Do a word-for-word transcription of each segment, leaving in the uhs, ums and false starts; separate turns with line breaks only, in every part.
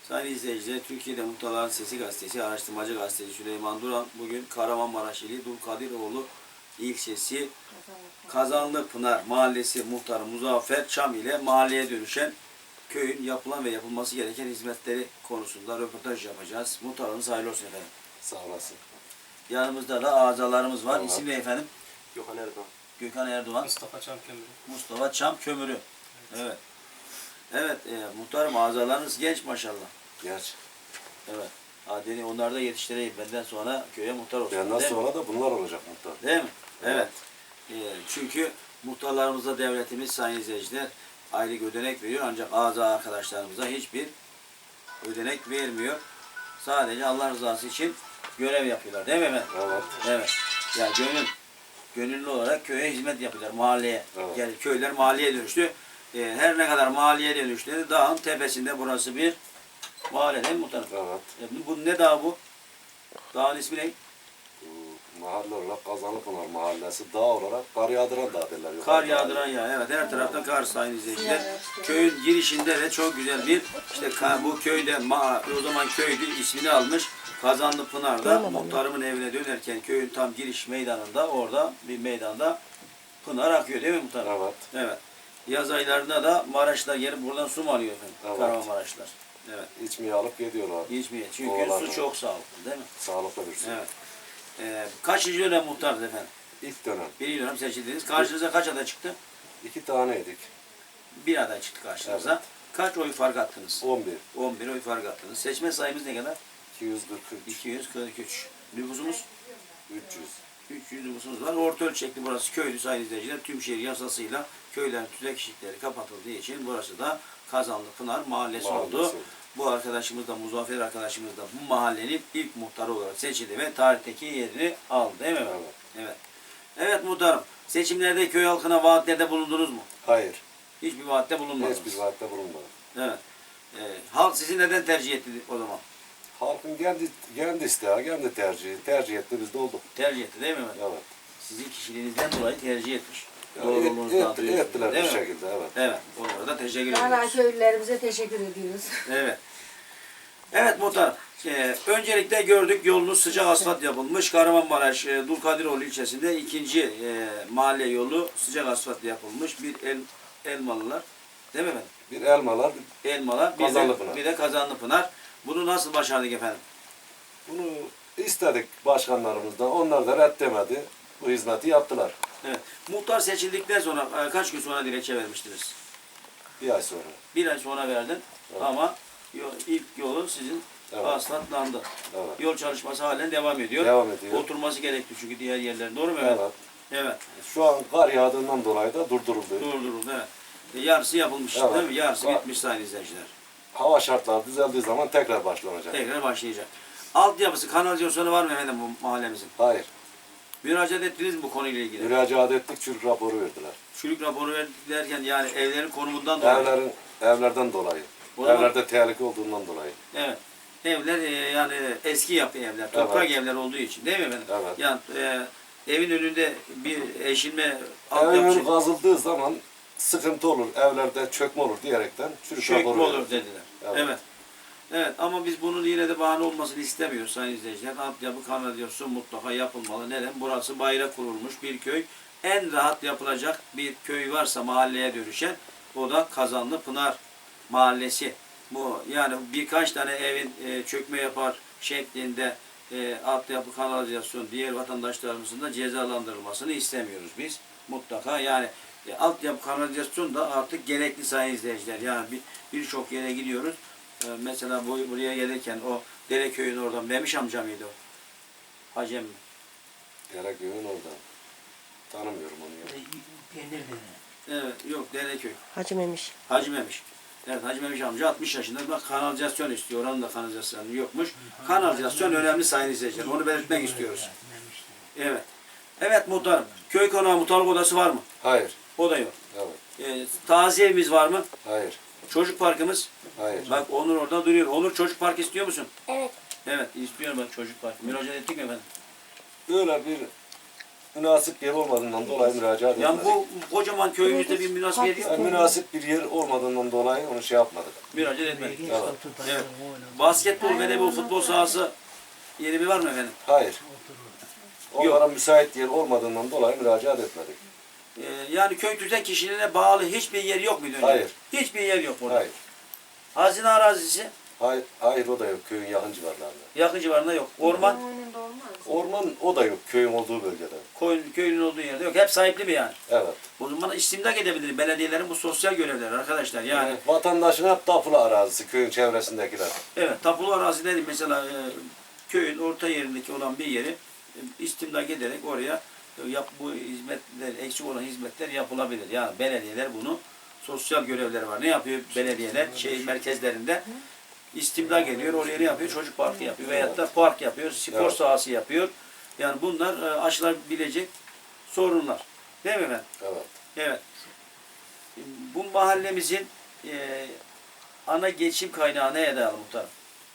Sayın izleyiciler, Türkiye'de Muhtarların Sesi Gazetesi, araştırmacı gazeteci Süleyman Duran bugün Kahramanmaraş ili Dulkadiroğlu ilçesi Kazanlıpınar Mahallesi muhtarı Muzaffer Çam ile mahalleye dönüşen köyün yapılan ve yapılması gereken hizmetleri konusunda röportaj yapacağız. Muhtarımız hayırlı olsun efendim.
Sağ olasın.
Yanımızda da azalarımız var.
Evet.
İsim ne efendim?
Gökhan Erdoğan.
Gökhan Erdoğan.
Mustafa Çam Kömürü.
Mustafa Çam Kömürü. Evet. Evet, evet e, muhtarım azalarınız genç maşallah.
Genç.
Evet. Adeni onlar da yetiştireyim. Benden sonra köye muhtar olsun.
Benden
değil mi?
sonra da bunlar olacak muhtar.
Değil mi? Evet.
Evet.
Ee, çünkü muhtarlarımıza devletimiz sayın izleyiciler aylık ödenek veriyor. Ancak aza arkadaşlarımıza hiçbir ödenek vermiyor. Sadece Allah rızası için görev yapıyorlar. Değil mi efendim?
Evet.
Evet. Yani gönül, gönüllü olarak köye hizmet yapıyorlar. Mahalleye.
Evet.
Yani köyler mahalleye dönüştü. Ee, her ne kadar mahalleye dönüştü, dağın tepesinde burası bir mahalle değil mi muhtarım?
Evet.
E, bu, bu ne dağ bu? Dağın ismi ne?
Bu mahalle olarak Kazanlıpınar Mahallesi, dağ olarak kar yağdıran dağ derler.
Kar yağdıran ya. Evet, her taraftan kar sayın izleyiciler. Köyün girişinde de çok güzel bir işte bu köyde o zaman köydü ismini almış. Kazanlıpınar'da muhtarımın evine dönerken köyün tam giriş meydanında orada bir meydanda pınar akıyor değil mi muhtarım?
Evet.
Evet. Yaz aylarında da Maraşlar gelip buradan su mu alıyor efendim?
Evet.
Kahramanmaraşlar. Evet.
İçmeye alıp gidiyorlar.
İçmeye. Çünkü
Oğlan
su çok sağlıklı değil mi?
Sağlıklı bir su.
Evet. Ee, kaçıncı dönem muhtarız efendim?
İlk dönem.
Birinci dönem seçildiniz. Karşınıza kaç aday çıktı?
İki taneydik.
Bir aday çıktı karşınıza.
Evet.
Kaç oy fark attınız?
on bir.
on bir oy fark attınız. Seçme sayımız ne kadar?
iki yüz kırk üç.
iki yüz kırk üç. Nüfusumuz?
üç yüz.
üç yüz nüfusumuz var. Orta ölçekli burası köylü sayın izleyiciler. Tüm şehir yasasıyla köylerin tüzek eşikleri kapatıldığı için burası da Kazanlıpınar Mahallesi,
Mahallesi
oldu.
oldu.
Bu arkadaşımız da Muzaffer arkadaşımız da bu mahallenin ilk muhtarı olarak seçildi ve tarihteki yerini aldı değil mi?
Evet.
Evet. Evet muhtarım. Seçimlerde köy halkına vaatlerde bulundunuz mu?
Hayır.
Hiçbir vaatte bulunmadınız.
Hiçbir vaatte bulunmadı.
Evet. Ee, halk sizi neden tercih etti o zaman?
Halkın kendi, kendi isteği, kendi tercihi. Tercih etti, biz de olduk.
Tercih etti değil mi?
Evet.
Sizin kişiliğinizden dolayı tercih etmiş.
Yani
Doğruluğunuzdan
et, et,
duruyorsunuz,
ettiler
değil
bir
mi?
şekilde, evet.
Evet. Onlara da teşekkür
Hala
ediyoruz.
köylülerimize teşekkür ediyoruz.
Evet. Evet muhtar. Ee, öncelikle gördük yolunuz sıcak asfalt yapılmış. Kahramanmaraş e, Dulkadiroğlu ilçesinde ikinci e, mahalle yolu sıcak asfalt yapılmış. Bir el, Elmalılar. Değil mi efendim?
Bir elmalar,
Elmalar. Bir de,
Kazanlıpınar.
bir de Kazanlıpınar. Bunu nasıl başardık efendim?
bunu istedik başkanlarımızdan. Onlar da reddemedi. Bu hizmeti yaptılar.
Evet. Muhtar seçildikten sonra e, kaç gün sonra dilekçe vermiştiniz?
Bir ay sonra.
Bir ay sonra verdin
Evet.
ama yol, ilk yolun sizin
Evet.
asfaltlandı.
Evet.
Yol çalışması halen devam ediyor.
Devam ediyor.
Oturması gerekti çünkü diğer yerler. Doğru mu?
Evet.
Evet.
Şu an kar yağdığından dolayı da durduruldu.
Durduruldu. Evet. E, yarısı yapılmış
Evet.
değil mi? Yarısı
Var.
bitmiş sayın izleyiciler.
Hava şartları düzeldiği zaman tekrar başlanacak.
Tekrar başlayacak. Altyapısı, kanalizasyonu var mı efendim bu mahallemizin?
Hayır.
Müracaat ettiniz mi bu konuyla ilgili?
Müracaat ettik, çürük raporu verdiler.
Çürük raporu verdilerken yani evlerin konumundan dolayı.
Evlerin, evlerden dolayı.
O zaman-
Evlerde tehlike olduğundan dolayı.
Evet. Evler e, yani eski yapı evler, toprak
Evet.
evler olduğu için değil mi efendim?
Evet.
Yani e, evin önünde bir eşilme
Evin
altyapı
önü kazıldığı zaman sıkıntı olur, evlerde çökme olur diyerekten çürük
çökme
raporu
olur
verdiler.
dediler.
Evet.
Evet. Evet ama biz bunun yine de bahane olmasını istemiyoruz sayın izleyiciler. Altyapı kanalizasyon mutlaka yapılmalı. Neden? Burası bayrak kurulmuş bir köy. En rahat yapılacak bir köy varsa mahalleye dönüşen o da Kazanlıpınar Mahallesi. Bu yani birkaç tane evin e, çökme yapar şeklinde e, altyapı kanalizasyon diğer vatandaşlarımızın da cezalandırılmasını istemiyoruz biz. Mutlaka yani e, altyapı kanalizasyon da artık gerekli sayın izleyiciler. Yani bir birçok yere gidiyoruz. E, mesela bu, buraya gelirken o Dereköy'ün oradan Memiş amca mıydı o? Hacem mi?
Dereköy'ün orada. Tanımıyorum onu ya.
Evet yok Dereköy.
Hacı Memiş.
Hacı Memiş. Evet Hacı Memiş amca altmış yaşında bak kanalizasyon istiyor. Oranın da kanalizasyonu yokmuş. Kanalizasyon önemli sayın izleyiciler. Onu belirtmek istiyoruz. Evet. Evet muhtarım. Köy konağı muhtarlık odası var mı?
Hayır.
O da yok.
Evet.
Ee, taziye evimiz var mı?
Hayır.
Çocuk parkımız.
Hayır.
Bak Onur orada duruyor. Onur çocuk park istiyor musun?
Evet.
Evet istiyorum bak çocuk park. Müracaat ettik mi efendim?
Böyle bir münasip yer olmadığından dolayı müracaat
Yani
etmedik.
bu kocaman köyümüzde bir münasip yer yok.
Yani münasip bir yer olmadığından dolayı onu şey yapmadık.
Müracaat etmedik.
Evet.
Evet. Basketbol, voleybol, futbol sahası yeri bir var mı efendim?
Hayır. Onlara müsait yer olmadığından dolayı müracaat etmedik.
Ee, yani köy tüzel kişiliğine bağlı hiçbir yer yok muydu önce?
Hayır.
Hiçbir yer yok burada.
Hayır.
Hazine arazisi
Hayır, hayır o da yok köyün yakın civarlarında.
yakın civarında yok. Orman,
Önünde olmaz.
Orman o da yok köyün olduğu bölgede.
koyun, köyün olduğu yerde yok. Hep sahipli mi yani?
Evet.
O zaman istimlak edebilir belediyelerin bu sosyal görevleri arkadaşlar. Yani
Yani vatandaşın hep tapulu arazisi köyün çevresindekiler.
evet, tapulu arazi dedi mesela e, köyün orta yerindeki olan bir yeri e, istimlak ederek oraya e, yap, bu hizmetler, eksik olan hizmetler yapılabilir. Yani belediyeler bunu sosyal görevleri var. Ne yapıyor belediyeler? Şehir merkezlerinde istimlak ediyor. Oraya ne yapıyor? Çocuk parkı yapıyor. Veyahut da park yapıyor. Spor
Evet.
sahası yapıyor. Yani bunlar e, aşılabilecek sorunlar. Değil mi efendim?
Evet.
Evet. Bu mahallemizin e, ana geçim kaynağı neye dayalı muhtarım?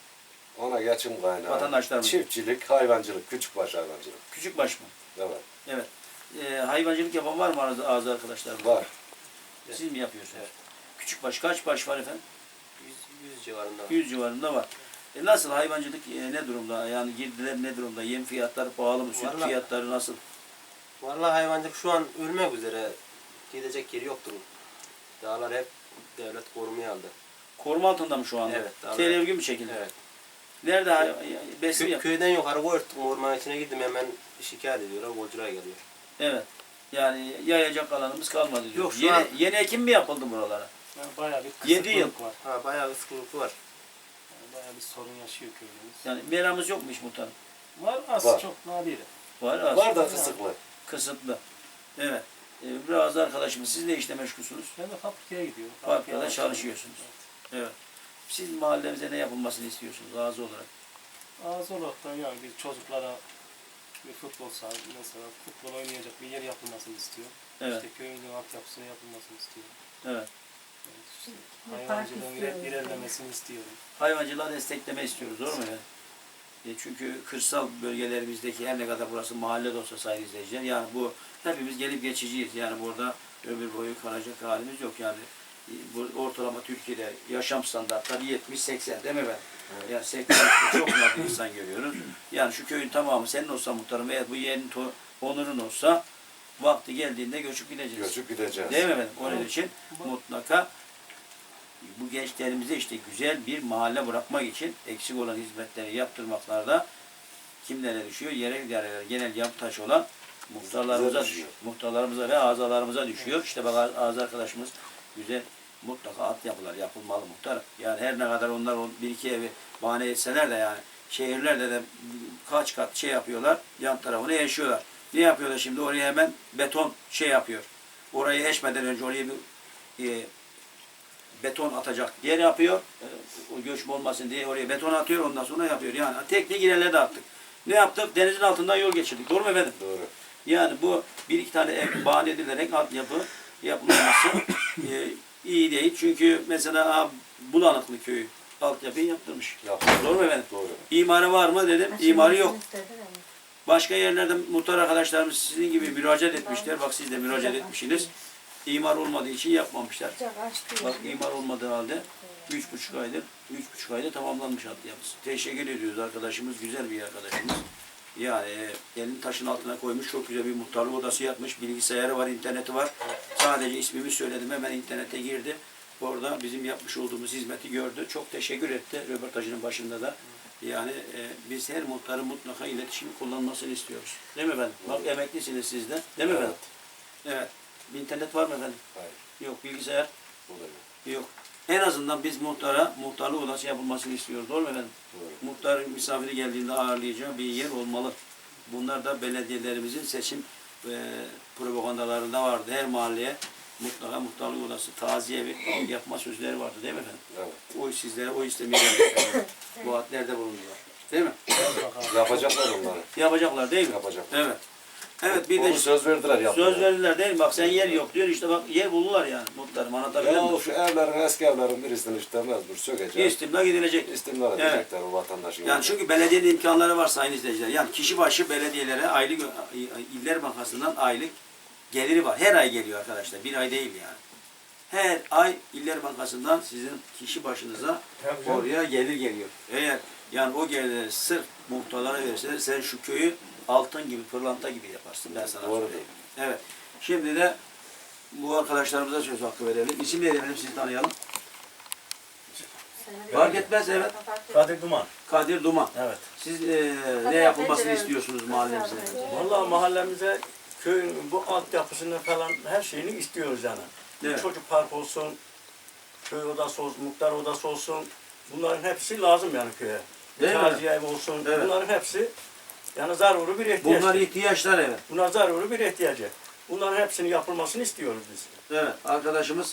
Ona geçim kaynağı.
Vatandaşlarımız.
Çiftçilik, hayvancılık, küçükbaş hayvancılık.
Küçükbaş mı?
Evet.
Evet. E, hayvancılık yapan var mı aranızda ağzı arkadaşlarım?
Var.
Siz mi yapıyorsunuz? Küçükbaş kaç baş var efendim?
yüz, yüz civarında.
yüz civarında var. E nasıl hayvancılık e, ne durumda? Yani girdiler ne durumda? Yem fiyatları pahalı mı? Süt
Vallahi-
fiyatları nasıl?
Vallahi hayvancılık şu an ölmek üzere. Gidecek yeri yoktur. Dağlar hep devlet korumaya aldı.
Koruma altında mı şu anda?
Evet, daha
Tedirgin bir şekilde.
Evet.
Nerede hay- besin
Kö-
yap?
köyden yukarı koyurttum. Ormanın içine gittim hemen şikayet ediyorlar. Golcular geliyor.
Evet. Yani yayacak alanımız kalmadı diyor.
Yok, şu
yeni,
an-
yeni ekim mi yapıldı buralara?
Yani bayağı bir
Yedi yıl.
kısıtlılık var.
Ha bayağı bir sıkıntı var.
Yani bayağı bir sorun yaşıyor köyümüz.
Yani meramız yokmuş muhtarım.
Var az
Var.
çok nadir.
Var az.
Var da kısıklı.
Kısıtlı. Evet. Ee, biraz da arkadaşımız siz ne işle meşgulsünüz?
Ben de fabrikaya gidiyorum.
Fabrikada
Fabrikaya
çalışıyorsunuz. Evet. Siz mahallemize ne yapılmasını istiyorsunuz ağzı olarak?
Az olarak da yani bir çocuklara bir futbol sahası mesela futbol oynayacak bir yer yapılmasını istiyor.
Evet.
İşte köyün altyapısının yapılmasını istiyor.
Evet.
Yani işte
Bir park
hayvancılığın iler-
istiyoruz.
ilerlemesini istiyorum.
Hayvancılığa destekleme istiyoruz, doğru mu efendim? E çünkü kırsal bölgelerimizdeki her ne kadar burası mahalle de olsa sayın izleyiciler, yani bu hepimiz gelip geçiciyiz. Yani burada ömür boyu kalacak halimiz yok. Yani e, bu ortalama Türkiye'de yaşam standartları yetmiş seksen değil mi efendim? Yani seksen çok nadir insan görüyoruz. Yani şu köyün tamamı senin olsa muhtarım veya bu yerin to- onurun olsa vakti geldiğinde göçüp gideceğiz.
Göçüp gideceğiz.
Değil mi efendim? Onun için mutlaka bu gençlerimize işte güzel bir mahalle bırakmak için eksik olan hizmetleri yaptırmaklarda kimlere düşüyor? Yerel idareler, genel yapı taşı olan muhtarlarımıza
Bize
düşüyor.
düşüyor.
Muhtarlarımıza ve azalarımıza düşüyor. İşte bak ağız arkadaşımız güzel mutlaka altyapılar yapılmalı muhtarım. Yani her ne kadar onlar o bir iki evi bahane etseler de yani şehirlerde de kaç kat şey yapıyorlar, yan tarafını yaşıyorlar. Ne yapıyorlar şimdi? Oraya hemen beton şey yapıyor. Orayı eşmeden önce oraya bir e, beton atacak yer yapıyor. E, o göçme olmasın diye oraya beton atıyor, ondan sonra yapıyor. Yani teknik ilerledi attık. Ne yaptık? Denizin altından yol geçirdik. Doğru mu efendim?
Doğru.
Yani bu bir iki tane ev bahane edilerek altyapı yapılması e, iyi değil. Çünkü mesela ha, Bulanıklı köyü altyapıyı yaptırmış.
Yaptık.
Doğru mu efendim?
Doğru.
İmarı var mı dedim.
Aşırı
İmarı yok.
istedi de.
Başka yerlerde muhtar arkadaşlarımız sizin gibi müracaat etmişler. Bak siz de müracaat etmişsiniz. İmar olmadığı için yapmamışlar.
Sıcak açtı.
Bak imar olmadığı halde üç buçuk aydır, üç buçuk ayda tamamlanmış altyapısı. Teşekkür ediyoruz arkadaşımız, güzel bir arkadaşımız. Yani e, elini taşın altına koymuş, çok güzel bir muhtarlık odası yapmış, bilgisayarı var, interneti var. Sadece ismimi söyledim, hemen internete girdi. Orada bizim yapmış olduğumuz hizmeti gördü. Çok teşekkür etti röportajının başında da. Yani e, biz her muhtarın mutlaka iletişimi kullanmasını istiyoruz. Değil mi efendim? Bak emeklisiniz siz de. Değil mi efendim? Evet. İnternet var mı efendim?
Hayır.
Yok. Bilgisayar?
O da yok.
Yok. En azından biz muhtara muhtarlık odası yapılmasını istiyoruz. Doğru mu efendim?
Doğru.
Muhtarın misafiri geldiğinde ağırlayacağı bir yer olmalı. Bunlar da belediyelerimizin seçim e, propagandalarında vardı. Her mahalleye mutlaka muhtarlık odası, taziye evi yapma sözleri vardı. Değil mi efendim?
Evet.
O sizlere o istemeye geldik. Bu vaatlerde bulundular. Değil mi?
Yapacaklar onları.
Yapacaklar değil mi?
Yapacaklar.
Evet. Evet bir
Onu
de
söz verdiler yapmaya.
söz verdiler değil mi? Bak sen yer yok diyor işte bak yer buldular yani muhtarım anlatabiliyor
Ya
muyum?
şu evlerin, eski evlerin birisini işte mecbur sökecek.
İstimla gidilecek.
İstimlal
Evet.
edecekler o vatandaşın.
Yani çünkü belediyenin imkanları var sayın izleyiciler. Yani kişi başı belediyelere aylık İller Bankası'ndan aylık geliri var. Her ay geliyor arkadaşlar. Bir ay değil yani. Her ay İller Bankası'ndan sizin kişi başınıza oraya gelir geliyor. Eğer yani o gelirleri sırf muhtarlara verirseler sen şu köyü altın gibi, pırlanta gibi yaparsın. Ben sana
Doğru.
söyleyeyim. Evet. Şimdi de bu arkadaşlarımıza söz hakkı verelim. İsim neydi efendim sizi tanıyalım. Fark etmez evet.
Kadir Duman.
Kadir Duman.
Evet.
Siz e, ne yapılmasını istiyorsunuz mahallemize?
Vallahi mahallemize köyün bu altyapısını falan her şeyini istiyoruz yani.
Evet.
Çocuk park olsun, köy odası olsun, muhtar odası olsun. Bunların hepsi lazım yani köye.
Değil mi?
Taziye evi olsun.
Evet.
Bunların hepsi yani zaruri bir ihtiyaç.
Bunlar ihtiyaçlar evet.
Bunlar zaruri bir ihtiyacı. Bunların hepsinin yapılmasını istiyoruz biz.
Evet. Arkadaşımız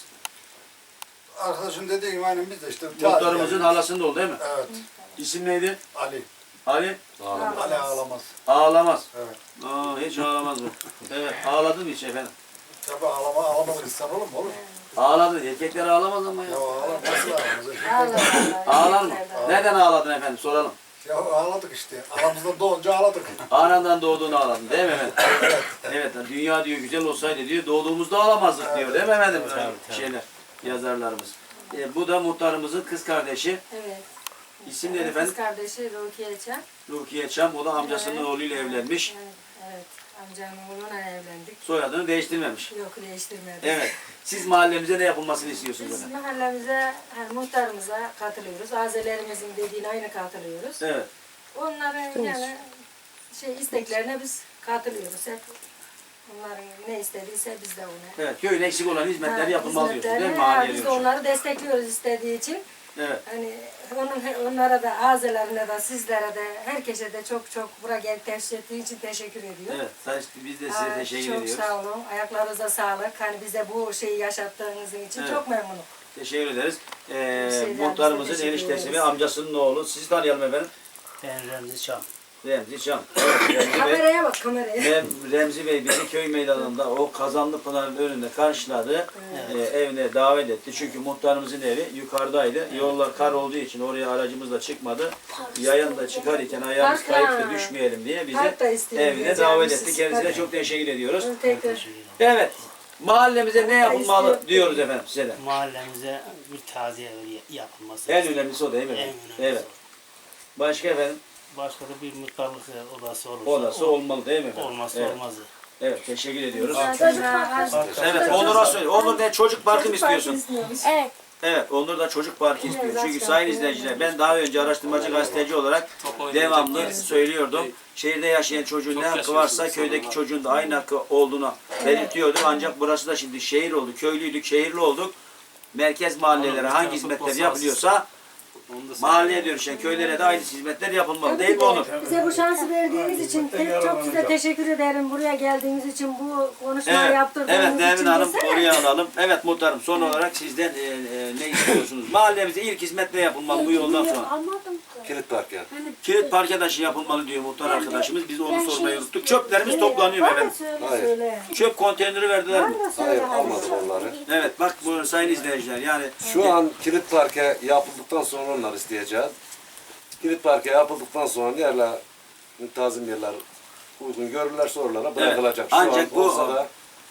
Arkadaşın dediği gibi aynen biz de işte.
muhtarımızın halasında oldu değil mi?
Evet.
İsim neydi?
Ali.
Ali
Ali ağlamaz.
ağlamaz.
Evet.
Aa, hiç ağlamaz bu. Evet. Ağladı mı hiç efendim?
Tabi ağlama, ağlamaz insan olur mu? Olur.
Ağladı. Erkekler ağlamaz ama ya.
Ya ağlamaz. Nasıl ağlamaz?
Allah Allah.
Ağlar mı? Neden ağladın efendim? Soralım.
Ya ağladık işte. Aramızda doğunca ağladık.
Anandan doğduğunu ağladın değil mi efendim? Evet. Dünya diyor güzel olsaydı diyor doğduğumuzda ağlamazdık diyor değil mi efendim? Şeyler, yazarlarımız. E, bu da muhtarımızın kız kardeşi.
Evet.
İsim neydi
Kız
efendim?
kardeşi Rukiye Çam.
Rukiye Çam. O da amcasının
Evet.
oğluyla evlenmiş.
Evet, evet. Amcamın oğluyla evlendik.
Soyadını değiştirmemiş.
Yok değiştirmedik.
Evet. Siz mahallemize ne yapılmasını istiyorsunuz
Biz
efendim?
mahallemize, yani muhtarımıza katılıyoruz. Azelerimizin dediğine aynı katılıyoruz.
Evet.
Onların yani şey isteklerine biz katılıyoruz. Hep onların ne istediyse biz de ona.
Evet. Köyün eksik olan hizmetleri
Ha,
yapılmalı diyorsunuz değil mi?
hizmetleri, ha,
Mahalleye
biz de
diyorsunuz.
onları destekliyoruz istediği için.
Evet.
Hani onun, onlara da azelerine de sizlere de herkese de çok çok buraya gelip teşvik ettiği için teşekkür ediyorum.
Evet. Sayın- Biz de size
Ha,
teşekkür
çok
ediyoruz.
sağ olun. Ayaklarınıza sağlık. Hani bize bu şeyi yaşattığınız için
Evet.
çok memnunum.
Teşekkür ederiz. Ee,
Şeyden
muhtarımızın
bize teşekkür
eniştesi ve
ederiz.
amcasının oğlu. Sizi tanıyalım efendim.
Ben Remzi Çam.
Remzi Çam. Evet, Remzi Bey.
Kameraya bak kameraya.
Rem, Remzi Bey bizi köy meydanında o Kazanlı Pınar'ın önünde karşıladı. Ee, evine davet etti. Çünkü muhtarımızın evi yukarıdaydı. Yollar kar olduğu için oraya aracımızla çıkmadı. Yayan da çıkarken ayağımız
Park,
kayıp
ha.
da düşmeyelim diye bizi
Park da istiyorum
evine
diyeceğim
davet
siz.
etti. Kendisine
Tabii.
çok teşekkür ediyoruz.
Tekrar.
Evet. Mahallemize ne yapılmalı
istiyorum.
diyoruz efendim size de.
Mahallemize bir taziye evi yapılması.
En önemlisi o değil mi
En
efendim?
önemlisi
Evet. Başka efendim?
Başka da bir muhtarlık odası olursa.
Odası olmalı değil mi efendim?
Olmazsa
Evet.
olmazı.
Evet, teşekkür ediyoruz.
Çocuk parkı.
Evet, Onur'a söyle. Onur ne çocuk parkı mı istiyorsun?
istiyormuş.
Evet.
Evet, Onur da çocuk parkı istiyor.
Evet,
Çünkü
zaten
sayın
öyle.
izleyiciler, ben daha önce araştırmacı gazeteci olarak devamlı söylüyordum. Şehirde yaşayan çocuğun ne hakkı varsa köydeki çocuğun da aynı hakkı olduğunu belirtiyordum. Ancak burası da şimdi şehir oldu. Köylüydük, şehirli olduk. Merkez mahallelere hangi hizmetler yapılıyorsa mahalleye dönüşen köylere de aynı hizmetler yapılmalı. Değil mi Onur?
Bize bu şansı verdiğiniz için te- çok size teşekkür ederim. Buraya geldiğiniz için, bu konuşmayı yaptırdığınız
evet
için.
Nermin Hanım
desene.
oraya alalım. Evet muhtarım son olarak sizden e, e, ne istiyorsunuz? Mahallemize ilk hizmet ne yapılmalı bu yoldan sonra?
Anladım.
Kilit park yani.
Kilit park taşı yapılmalı diyor muhtar arkadaşımız. Biz de onu
Ben
sormayı
şey-
unuttuk. Çöplerimiz toplanıyor
Bana
efendim.
söyle
Hayır.
söyle.
Çöp konteyneri verdiler mi?
Bana söyle.
Hayır
hadi.
almadık onları.
Evet bak bu sayın izleyiciler yani
Şu an kilit parke yapıldıktan sonra onlar isteyeceğiz. Kilit parke yapıldıktan sonra yerler, müntazım yerler uygun görürlerse oralara bırakılacak. Şu
ancak
an
bu-
olsa da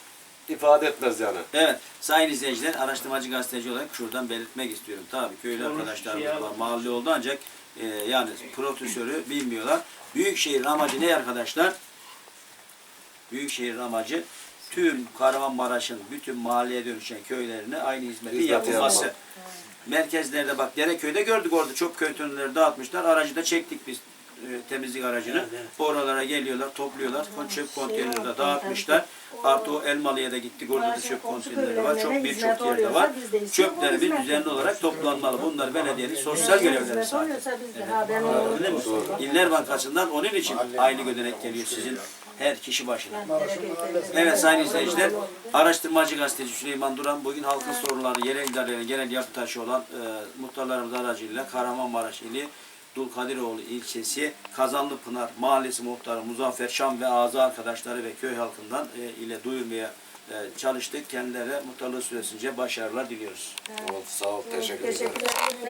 ifade etmez yani.
evet sayın izleyiciler araştırmacı gazeteci olarak şuradan belirtmek istiyorum. Tabii köylü arkadaşlarımız var mahalle oldu ancak e, yani profesörü bilmiyorlar. Büyükşehir'in amacı ne arkadaşlar? Büyükşehir'in amacı tüm Kahramanmaraş'ın bütün mahalleye dönüşen köylerine aynı hizmeti
Hizmeti
yapılması.
yapmak.
Merkezlerde bak Dereköy'de gördük orada çok konteynerleri dağıtmışlar. Aracı da çektik biz e, temizlik aracını.
Evet, evet.
Oralara geliyorlar, topluyorlar. Çöp konteyneri de dağıtmışlar. Artı o Elmalı'ya da gittik. Orada da çöp konteyneri var. Çok birçok yerde var. Çöplerimiz düzenli olarak toplanmalı. Bunlar belediyenin sosyal görevleri
Hizmet
zaten.
oluyorsa biz de ha ben onu
Öyle mi? İller Bankası'ndan onun için aynı ödenek geliyor sizin her kişi başına. Evet sayın izleyiciler, araştırmacı gazeteci Süleyman Duran bugün halkın sorunları, yerel idarelerine genel yapı taşı olan e, muhtarlarımız aracılığıyla Kahramanmaraş ili Abdülkadiroğlu ilçesi Kazanlıpınar Mahallesi muhtarı Muzaffer Şam ve ağzı arkadaşları ve köy halkından e, ile duyurmaya e, çalıştık. Kendilerine muhtarlığı süresince başarılar diliyoruz.
Oldu, sağ ol, teşekkür ederim.
Teşekkür ederim.